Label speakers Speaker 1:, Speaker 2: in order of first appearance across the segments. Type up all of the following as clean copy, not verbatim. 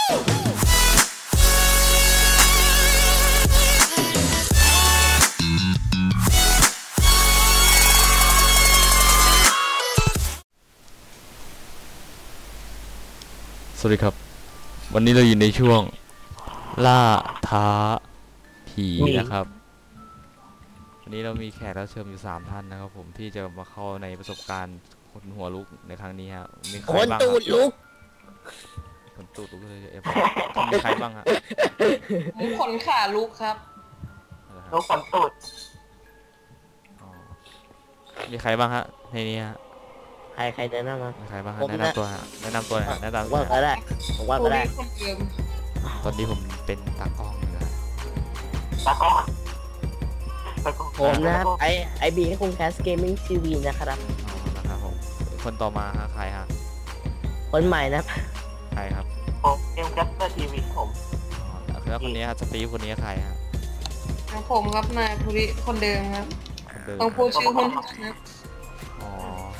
Speaker 1: สวัสดีครับวันนี้เราอยู่ในช่วงล่าท้าผีนะครับวันนี้เรามีแขกรับเชิญอยู่3ท่านนะครับผมที่จะมาเข้าในประสบการณ์คนหัวลุกในครั้งนี้ฮะมีใครบ้างตูดลุกคนตูดลุกเลยมีใครบ้างฮะ
Speaker 2: ขนขาลุกครับ
Speaker 3: ลุกขนตูด
Speaker 1: มีใครบ้างฮะในนี้ฮะ
Speaker 4: ใครแนะนำมา
Speaker 1: ใครบ้างฮะแนะนำตัวฮะแนะนำตัวหน่อยแนะนำ
Speaker 4: ว่าก็ได้ผมว่าก็ได้
Speaker 1: ตอนนี้ผมเป็นตากล้องอยู่นะ
Speaker 3: ตากล้อง
Speaker 4: ผมนะไอบีให้คุณแคสเกมมิ่งทีวีนะครับ
Speaker 1: นะครับผมคนต่อมาฮะใครฮะ
Speaker 4: คนใหม่นะ
Speaker 1: ใครครับ
Speaker 3: ผมเกมแคสเตอร์ทีวีผม
Speaker 1: แล้วคนนี้ฮะสตีฟคนนี้ใครฮะ
Speaker 2: ผมครับนายภูริคนเดิมครับต้องพูดชื่อคนนะ
Speaker 1: อ๋อ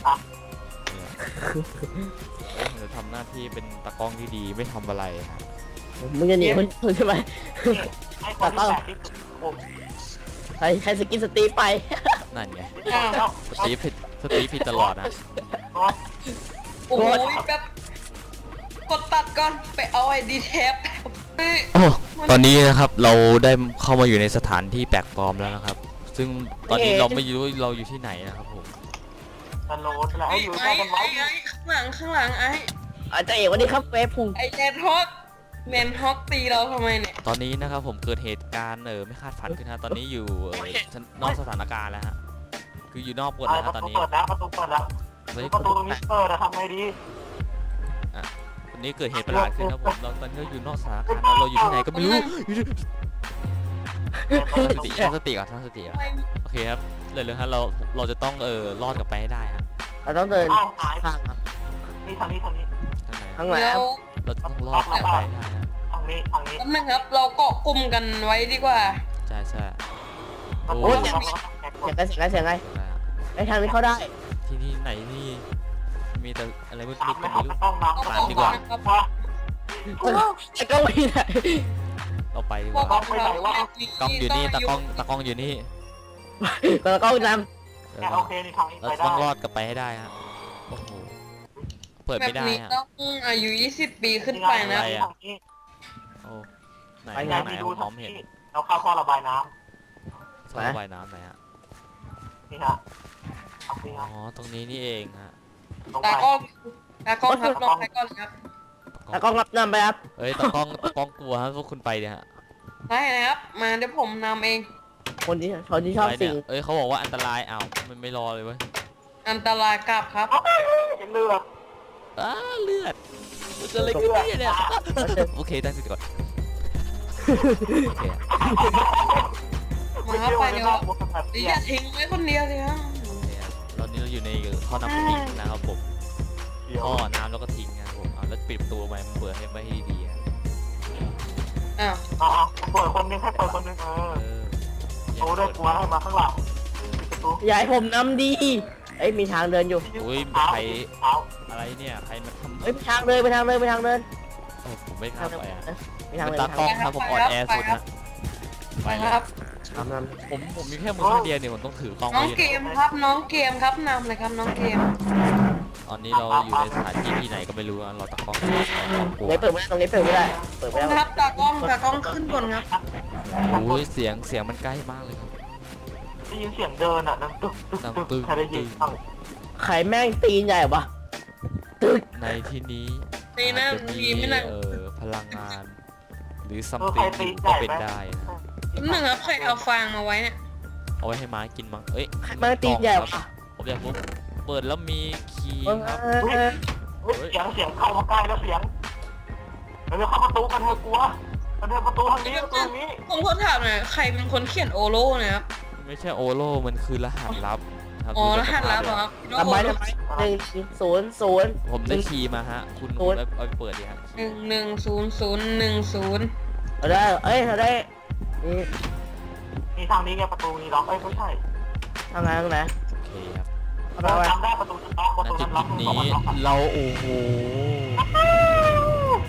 Speaker 1: จะทำหน้าที่เป็นตากล้องที่ดีไม่ทำอะไรครับ
Speaker 4: มึงจะหนีคนใช่ไหมตากล้องใครสกินสตีฟไป
Speaker 1: นั่นไงสตีฟผิดตลอดนะ
Speaker 2: โอ้ยแบบกดตัดก่อนไปเอาไอ้ดีเทป
Speaker 1: ตอนนี้นะครับเราได้เข้ามาอยู่ในสถานที่แปลกปลอมแล้วนะครับซึ่งตอนนี้เราไม่รู้เราอยู่ที่ไหนนะครับผม
Speaker 3: ตลอดแล้วอยู่ใต้กันไว้
Speaker 2: ข้างหลังไอ้
Speaker 4: เจ้าเอกวันนี้ครับเฟซพุง
Speaker 2: ไอ้แมนฮอกตีเราทำไมเนี่ย
Speaker 1: ตอนนี้นะครับผมเกิดเหตุการณ์ไม่คาดฝันขึ้นฮะตอนนี้อยู่นอกสถานการณ์แล้วฮะคืออยู่นอกบทแล้วตอนนี้
Speaker 3: เปิดแล้วประตูเปิดแล้วประตูตรงนี้เปิดทำไงดี
Speaker 1: วันนี้เกิดเหตุประหลาดขึ้นครับผมตอนนี้อยู่นอกสถานการณ์เราอยู่ที่ไหนก็ไม่รู้ตั้งสติก่อนโอเคครับเลยฮะเราจะต้องรอดกลับไปให้ได้ฮะ
Speaker 4: เราต้องเดินข้างครับ
Speaker 3: นี่ทางนี้
Speaker 4: ทางไหน
Speaker 1: เราต้องรอดกลับไปได้ฮะ
Speaker 3: ทางนี้
Speaker 2: นั่นครับเราเกาะกลุ่มกันไว้ดีกว่า
Speaker 1: ใช่
Speaker 4: โอ้ยเสียงไงไอ้ทางนี้เข้าได้
Speaker 1: ที่นี่ไหนนี่มีแต่อะไรมืดๆกันไม่รู้ตามดีกว่า
Speaker 4: ไอ้กล้องอยู่ไหน
Speaker 1: เราไปดีกว่ากล้องอยู่นี่ตากล้องอยู่นี่
Speaker 4: ตากล้องน
Speaker 3: ำโอเคนี่ทางนี้
Speaker 1: เราต้องรอดกลับไปให้ได้ฮะโอ้โหเปิดไม่ได้ฮะ
Speaker 2: ต้องอายุ20 ปีขึ้นไปนะ
Speaker 1: โอ้ไหนผมมองเห็น
Speaker 3: เราเข้าท่อระบายน้
Speaker 1: ำท่อระบายน้ำไหนฮะ
Speaker 3: นี่ฮะ
Speaker 1: อ๋อตรงนี้นี่เองฮะ
Speaker 2: ตากล้องครับลองไปก่อนครับ
Speaker 4: ตากล้องรับนำไปครับ
Speaker 1: ตากล้องกลัวฮะพวกคุณไปเนี่ยฮะ
Speaker 2: ได้นะครับมาเดี๋ยวผมนำเอง
Speaker 4: คนที่ชอบสิ่ง
Speaker 1: เขาบอกว่าอันตรายมันไม่รอเลยเว้ย
Speaker 2: อันตรายกลับครับ
Speaker 3: เลือด
Speaker 1: เลือดมันจะอะไรขึ้นเนี่ยโอเคตั้งสติก่อนโอเค
Speaker 2: มาไปเดี๋ยวอย่าทิ้งไว้คนเดียวเลยฮะ
Speaker 1: ตอนนี้เราอยู่ในท่อน้ำทิ้งนะครับผมท่อน้ำแล้วก็ทิ้งนะครับผมแล้วปิดประตูไว้มันเปิดให้ดี
Speaker 3: เปิดคนนึงให้เปิดคนนึงโอ้ได้กลัวให้มาข้างหลังประตู
Speaker 4: อย่าให้ผมนำดีมีทางเดินอยู่
Speaker 1: อุ้ยใครอะไรเนี่ยใครมาทำ
Speaker 4: ไปทางเดิน
Speaker 1: ผมไม่ข้ามไปตากล้องครับผมออนแอร์สุดนะ
Speaker 2: ไปครับ
Speaker 1: ผมมีแค่มือข้างเดียวเนี่ยผมต้องถือกล้อง
Speaker 2: น้องเกมครับนำเลยครับน้องเกม
Speaker 1: ตอนนี้เราอยู่ในสถานที่ที่ไหนก็ไม่รู้เราตากล้อง
Speaker 4: ไหนเปิดไม่ได้ตรงนี้เปิดไม่ได้
Speaker 2: ครับตากล้องขึ้นก่อนครับ
Speaker 1: โอ้ยเสียงมันใกล้มากเลยครับ
Speaker 3: ได้ยินเสียงเดินนั่งตึกใครได้ยิน
Speaker 4: ไข่แม่งตีนใหญ่ปะตึก
Speaker 1: ในที่นี้
Speaker 2: จะมี
Speaker 1: พลังงานหรือซัมติงก็เป็นได้
Speaker 2: นะครับใครเอาฟางมาไว้เนี่ย
Speaker 1: เอาไว้ให้ม้ากินมั้ง
Speaker 4: แม่งตีนใหญ่ปะ
Speaker 1: ผมอยากรู้เปิดแล้วมีคีย์ครับ
Speaker 3: เสียงเข้ามาใกล้แล้วเสียงเราเข้าประตูกันเถอะกลัวกันเถอะประตูทางนี้
Speaker 2: ผมขอถามหน่อยใครเป็นคนเขียนโอโล่เนี่ยครับ
Speaker 1: ไม่ใช่โอโล่มันคือรหัสลับ
Speaker 2: อ๋อรหัสลับเหรอครับ
Speaker 4: ทำไม100
Speaker 1: ผมได้คีย์มาฮะคุณเอาไปเปิดดิฮะ
Speaker 2: 11010
Speaker 4: ได้เราได้
Speaker 3: นี่ทางนี้ไงประตูนี้ล็อกไม่ใช่
Speaker 4: ทางไหน
Speaker 1: โอเคครับ
Speaker 3: เราจำได้ประตูล็อก
Speaker 1: นี้เราโอ้โห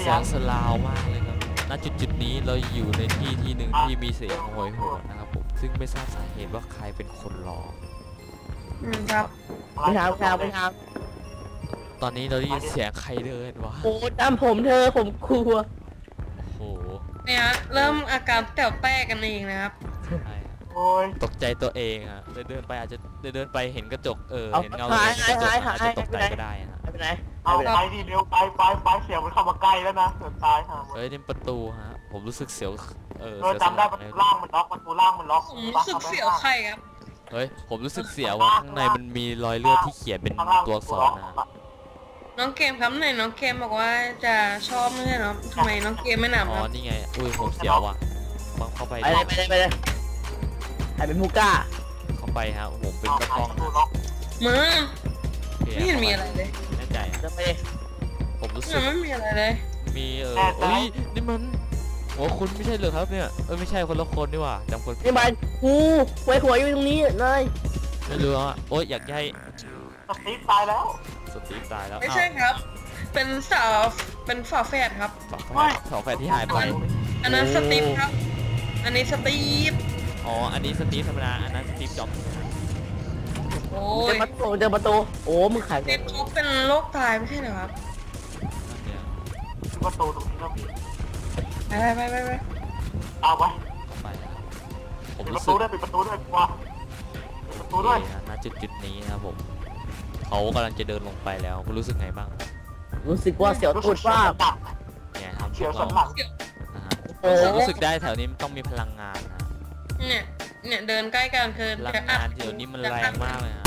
Speaker 1: เสียงสลาวมากเลยครับณจุดนี้เราอยู่ในที่หนึ่งที่มีเสียงโหยหวนนะครับผมซึ่งไม่ทราบสาเหตุว่าใครเป็นคนร้อง
Speaker 2: ครับ
Speaker 4: ไม่ทำไม่ท
Speaker 1: ตอนนี้เราได้ยินเสียงใครเดินวะ
Speaker 4: ำโอ้ตามผมเธอผมกลัว
Speaker 1: โอ้โห
Speaker 2: เนี่ยฮะเริ่มอาการแต๋วแตกกันเองนะครับ
Speaker 1: ใช่ครับ
Speaker 3: โอ้ย
Speaker 1: ตกใจตัวเองอะเดินไปอาจจะเดินไปเห็นกระจกเห็นเงา
Speaker 4: หาย
Speaker 1: ในกระจก
Speaker 4: หาย
Speaker 1: อาจจะตกใจก็ได้ฮะ
Speaker 4: ไม่เป็นไร
Speaker 3: เอาไปดิเร็วไปเสียงมันเข้ามาใกล้แล้วนะเกือบตายฮะ
Speaker 1: เฮ้ยนี่ประตูฮะผมรู้สึกเสียว
Speaker 3: เออ
Speaker 1: เสียว
Speaker 3: จำได้ประตูล่างมันล็อกประตูล่างมันล็อก
Speaker 2: ผมรู้สึกเสียวไข่ครับ
Speaker 1: เฮ้ยผมรู้สึกเสียวว่าข้างในมันมีรอยเลือดที่เขียนเป็นตัวอักษรนะ
Speaker 2: น้องเกมครับไหนน้องเกมบอกว่าจะชอบไม่ใช่เหรอทำไมน้องเกมไม่หนำ
Speaker 1: อ๋
Speaker 2: ค
Speaker 1: อ
Speaker 2: รับ
Speaker 1: นี่ไงอุ้ยผมเสียวว่ะบังเข้าไป
Speaker 4: ไปเลยใครเป็นผู้กล้า
Speaker 1: เข้าไปฮะผมเป็นตะกล้อง
Speaker 3: ประตู
Speaker 1: นะ
Speaker 3: ล็อก
Speaker 2: มึง
Speaker 1: โอเค
Speaker 2: ไม่เห็นมีอะไรเลย
Speaker 1: แน่ใจอะ
Speaker 4: เดินไปเลย
Speaker 1: ผมรู้สึ
Speaker 2: มั
Speaker 1: ก
Speaker 2: นไม่มีอะไรเลย
Speaker 1: มีเอ้ยนี่มันหัวคุณไม่ใช่เหรอครับเนี่ยไม่ใช่คนละคนนี่หว่าจำคนผิด
Speaker 4: นี่มันกูไว้หัวอยู่ตรงนี้เลย
Speaker 1: ไม่รู้อ่ะโอ๊ยอยากให้
Speaker 3: สตีฟตายแล้ว
Speaker 1: สตีฟตายแล้ว
Speaker 2: ไม่ใช่ครับ เป็นสาวเป็นฝาแฝดครับ
Speaker 1: สองแฟนที่หายไป
Speaker 2: อันนั้นสตีฟครับ อันนี้สตีฟ
Speaker 1: อ๋ออันนี้สตีฟธรรมดาอันนั้นสตีฟจ็อบส์
Speaker 2: โอ้
Speaker 4: เจอย ประตูโอ้มึงขาย
Speaker 2: สตีฟเขาเป็นโรคตายไม่ใช่เหรอครับ
Speaker 1: เนี่ย
Speaker 3: ประตูตรงนี้ก็มี
Speaker 2: ไป
Speaker 3: เอาไว้
Speaker 1: ไปนะผม
Speaker 3: ปิดป
Speaker 1: รู้
Speaker 3: ระ
Speaker 1: สึ
Speaker 3: ตู
Speaker 1: ก
Speaker 3: ด้วยปิดประตูด้วยกว่าปิดประตูด้วย
Speaker 1: ณจุดนี้นะครับผมเขากำลังจะเดินลงไปแล้วคุณรู้สึกไงบ้าง
Speaker 4: รู้สึกว่าเสียวตูดว่า
Speaker 3: ดับ
Speaker 1: เนี่ยครับ
Speaker 3: เฉียวสันหลัง
Speaker 1: นะฮะ
Speaker 4: โอ้
Speaker 1: รู้สึกได้แถวนี้มันต้องมีพลังงานนะ
Speaker 2: เนี่ยเดินใกล้กันคือ
Speaker 1: พลังงานเดี๋ยวนี้มันแรงมากเลยฮะ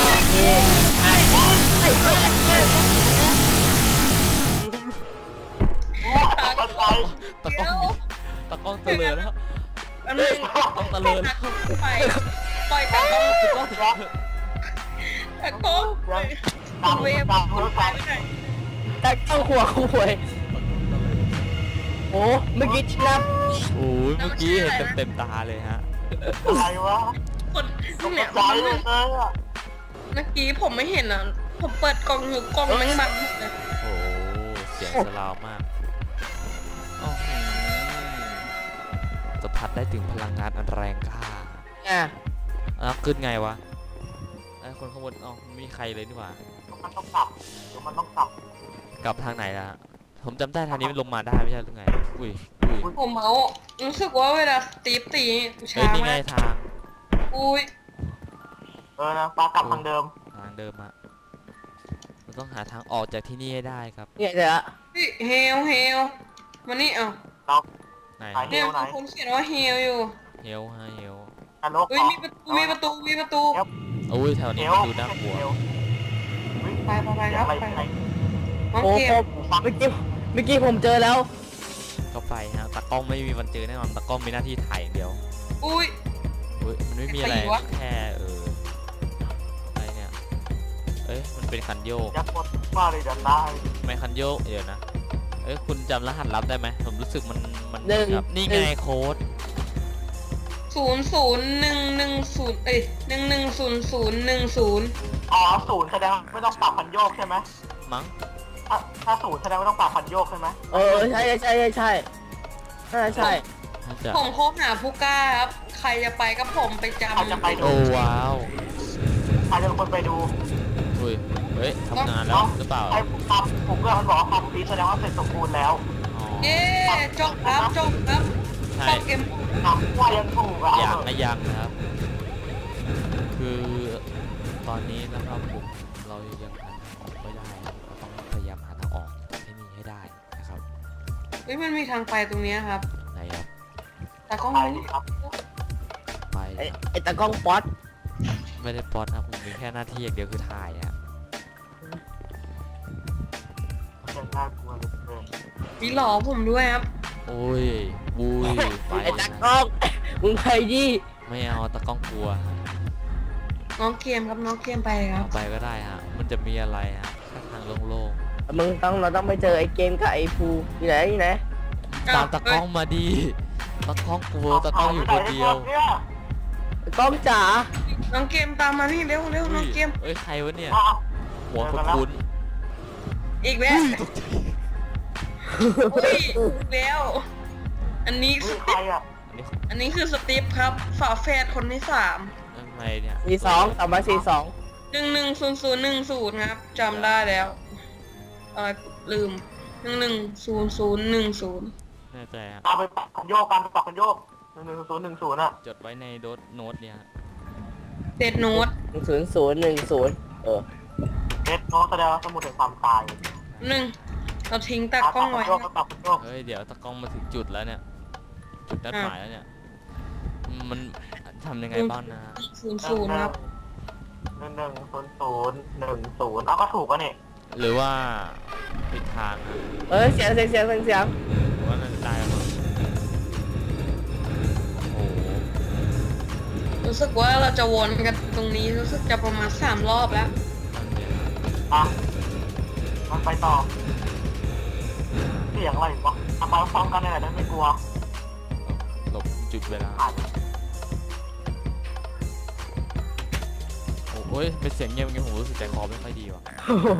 Speaker 3: ตาย
Speaker 1: ตะกล้องตะกล้องเตลิดแล้ว
Speaker 2: อันนึง
Speaker 1: ต้องเตลิดแล้ว
Speaker 2: ไปปล่อยตะกล้อง
Speaker 3: ยั
Speaker 2: ตะกล้อง
Speaker 3: ตาม
Speaker 2: เวฟ
Speaker 3: ตามรถไฟ
Speaker 2: ไปไหน
Speaker 4: แต่ต้องหัวคุยโอ้เมื่อกี้ชินะ
Speaker 1: โอ้ยเมื่อกี้เห็นเต็มตาเลยฮะ
Speaker 3: อะไรวะ
Speaker 2: คน
Speaker 3: ตก
Speaker 2: เนี่ย
Speaker 3: ใจเลยอ่ะ
Speaker 2: เมื่อกี้ผมไม่เห็นอ่ะ ผมเปิดกล่องอยู่กล่องแม่งบังหมดเลย
Speaker 1: โอ้เสียงสลาวมากอ้อหือสัมผัสได้ถึงพลังงานอันแรงกล้า
Speaker 4: อ่ะ
Speaker 1: แล้วขึ้นไงวะไอ้คนข้างบนอ๋อไม่มีใครเลยนี่หว่า
Speaker 3: มันต้องกลับมันต้องกลับ
Speaker 1: กลับทางไหนล่ะผมจำได้ทางนี้มันลงมาได้ไม่ใช่หรือไงอุ้ย
Speaker 2: ผมเมารู้สึกว่าเวลาสตีฟตีช้า
Speaker 1: เฮ้ยนี่ไง
Speaker 2: มาก
Speaker 1: ทาง
Speaker 2: อุ้ย
Speaker 3: นะปลากลับทางเดิม
Speaker 1: ทางเดิมอะเราต้องหาทางออกจากที่นี่ให้ได้ครับ
Speaker 4: เนี่ยเดี๋ยว
Speaker 2: เฮลมานี่เอ้า
Speaker 1: ไหน
Speaker 2: เนี่ยผมเขียนว่าเฮลอยู่
Speaker 1: เฮลฮะเฮล
Speaker 3: นรก
Speaker 2: เฮ้ยมีประตู
Speaker 1: โอ้ยแถวนี้มันดูน่ากลัว
Speaker 2: ไปครับไปน้อง
Speaker 4: โอ้
Speaker 2: เกม
Speaker 4: เมื่อกี้ผมเจอแล้ว
Speaker 1: เข้าไปฮะตากล้องไม่มีวันเจอแน่นอนตากล้องมีหน้าที่ถ่ายอย่างเดียว
Speaker 2: อุ้ย
Speaker 1: เฮ้ยมันไม่มีอะไร
Speaker 2: ใครวะ
Speaker 1: แค่อะไรเนี่ยเอ้ยมันเป็นคันโยก
Speaker 3: ยักษ์กดมาเลยจะตาย
Speaker 1: ทำไมคันโยกเดี๋ยวนะเอ้ยคุณจำรหัสลับได้ไหมผมรู้สึกมัน
Speaker 4: หนึ่ง
Speaker 1: แบบนี่ไงโค้ด
Speaker 2: 00110เอ้ย110010
Speaker 3: อ๋อศูนย์แสดงไม่ต้องปรับพันโยกใช่ไหม
Speaker 1: มั้ง
Speaker 3: ถ้าศูนย์แสดงไม่ต้องปรับพันโยกใช่ไหม
Speaker 4: ใช่ใช่
Speaker 1: น่าจะ
Speaker 2: ผมคบหาผู้กล้าครับ ใครจะไปก็ผมไปจำ
Speaker 3: ใครจะไปดู
Speaker 1: โอ้ว้าว
Speaker 3: ใครจะเป็นคนไปดู
Speaker 1: อุ้ยเฮ้ยทำงานแล้วหรือเปล่า
Speaker 3: ไอ้ผมก็มันบอกว่าความดีแสดงว่าเสร็จสมบูรณ์แล้ว
Speaker 1: อ๋อ
Speaker 2: เย้จบครับ
Speaker 1: ใช่
Speaker 2: จบเกม
Speaker 3: ทำว่ายังถูกอ่ะ
Speaker 1: ยังนะยังนะครับ คือตอนนี้นะครับผมเรายังหาทางออกไม่ได้ครับเราต้องพยายามหาทางออกจากที่นี่ให้ได้นะครับ
Speaker 2: เฮ้ยมันมีทางไปตรงเนี้ยครับ
Speaker 1: ไหนครับ
Speaker 2: แต่ก็
Speaker 3: ไป
Speaker 2: ไม่
Speaker 3: ดิครับ
Speaker 1: ไป
Speaker 4: ไอ้ตากล้องป๊อต
Speaker 1: ไม่ได้ป๊อตนะผมมีแค่หน้าที่อย่างเดียวคือถ่ายอะ
Speaker 3: ยังน่ากลัวเหลยเกิน
Speaker 2: มีหลอผมด้วยครับ
Speaker 1: โอ้ยบุยไป
Speaker 4: ไอ้ตากล้องมึงไปดิ
Speaker 1: ไม่เอาตะกล้องกลัวฮะ
Speaker 2: น้องเกมครับน้องเกมไปครับ
Speaker 1: เอาไปก็ได้ฮะมันจะมีอะไรฮะแค่ทางโล่ง
Speaker 4: เราต้องไปเจอไอ้เกมกับไอ้ภูที่ไหน
Speaker 1: ๆตามตะกล้องมาดีตะกล้องกลัวตะกล้องอยู่คนเดียว
Speaker 4: กล้องจ๋า
Speaker 2: น้องเกมตามมานี่เร็วน้องเกม
Speaker 1: เอ้ยใครวะเนี่ย
Speaker 3: อ้าว
Speaker 1: หัวคุ้น
Speaker 2: อีกแล้ว
Speaker 1: ๆ
Speaker 2: อุ้ยแล้ว อันนี้
Speaker 3: เฮ้ยใครอ่ะ
Speaker 1: อันนี้
Speaker 2: อันนี้คือสตีฟครับฝาแฝดคนที่3
Speaker 1: ทำไมเนี่ย
Speaker 4: 42 342
Speaker 2: 110010ครับจำได้แล้วอะไรลืม110010
Speaker 1: แน่ใจครับ
Speaker 3: เอาไปปรับคันโยกกันไปปรับคันโยก11010อ่ะ
Speaker 1: จดไว้ในโน้ตเนี่ยฮะ
Speaker 2: เดดโน้ต
Speaker 4: 0010
Speaker 3: เด็ดโน้ตแสดงว่าสมุดแห่งความตาย
Speaker 2: เราทิ้งตากล้องไว้
Speaker 3: ปรับคันโยก
Speaker 1: เฮ้ยเดี๋ยวตะกล้องมาถึงจุดแล้วเนี่ย จุดนัดหมายแล้วเนี่ย มันทำยังไงบ้างนะ
Speaker 2: 00ครับ
Speaker 3: 110010เอาก็ถูกอ่ะนี่
Speaker 1: หรือว่าผิดทางนะ
Speaker 4: เสียง
Speaker 1: หรือว่าน่าจะได้แล้วมั้งโอ้โห
Speaker 2: รู้สึกว่าเราจะวนกันตรงนี้รู้สึกจะประมาณ3 รอบแล้ว
Speaker 3: อ่ะมันไปต่อเสียงอะไรวะทำมาพร้อมกันเลยนะไม่กลัว
Speaker 1: หลบจุดเวลา
Speaker 3: ผ่าน
Speaker 1: โอ้ยเป็นเสียงเงียบอย่างงี้ผมรู้สึกใจคอไม่ค่อยดีว่ะ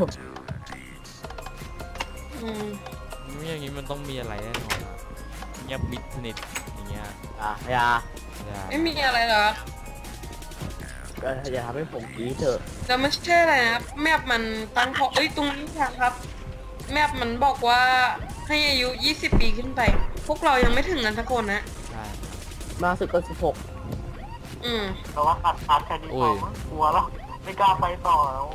Speaker 2: อืม
Speaker 1: นี่อย่างงี้มันต้องมีอะไรแน่นอนอะเงียบมิดสนิทอย่างเงี้ย
Speaker 4: อย่า
Speaker 1: อย่า
Speaker 2: ไม่มีอะไรหรอก
Speaker 4: ก็อย่าทำให้ผมกรี๊ดเถอะ
Speaker 2: แต่ไม่ใช่อะไรนะแมปมันตั้งเอ้ยตรงนี้ครับ แมปมันบอกว่าให้อายุ20 ปีขึ้นไป พวกเรายังไม่ถึงกันสักคนนะ
Speaker 1: ใช่
Speaker 4: มาสุดก็16
Speaker 2: อืม
Speaker 3: แต่ว่าตัดแค่นี้พอมั้งกลัวแล้วไม่กล้าไปต่อแล้ว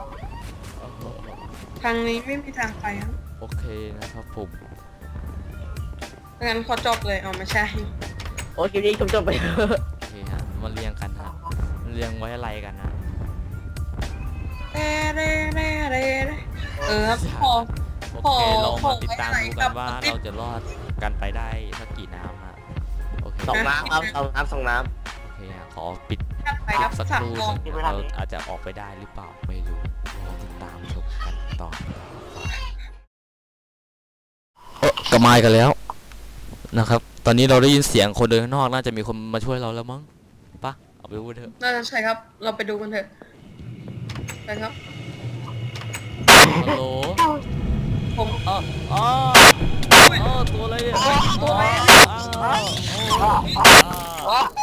Speaker 2: ทางนี้ไม่มีทางไปครับ
Speaker 1: โอเคนะครับผม
Speaker 2: งั้นขอจบเลยเอาไม่ใช่
Speaker 4: โอ้คลิปนี้จบไป
Speaker 1: โอเคฮะมาเรียงกันฮะเรียงไว้อะไรกันนะ
Speaker 2: ครับพอ
Speaker 1: โอเคลองมาติดตาม
Speaker 2: ขอ
Speaker 1: ดู
Speaker 2: ไว้
Speaker 1: กันว่า
Speaker 2: กับ
Speaker 1: เราจะรอดกันไปได้สักกี่น้ำฮะโอเค
Speaker 4: 2 น้ำครับ2 น้ำ
Speaker 1: โอเคฮะขอปิด
Speaker 2: ถัดไป
Speaker 1: คลิ
Speaker 2: ครั
Speaker 1: ป
Speaker 2: บ
Speaker 1: สัก
Speaker 2: สั
Speaker 1: ค
Speaker 2: ก
Speaker 1: รู่
Speaker 2: กอง
Speaker 1: หนึ่งเราอาจจะออกไปได้หรือเปล่าไม่รู้รอติดตามชมกันต่อกระมายกันแล้วนะครับ ตอนนี้เราได้ยินเสียงคนเดินข้างนอกน่าจะมีคนมาช่วยเราแล้วมั้งปะเอาไปพูดเถอะ
Speaker 2: น่าจะใช่ครับ เราไปดูกันเถอะไปครับ
Speaker 1: ฮัลโหล
Speaker 2: ผม
Speaker 1: อ๋อตัวอะไรอ่ะ
Speaker 2: ตัวอะไร
Speaker 1: อ้าว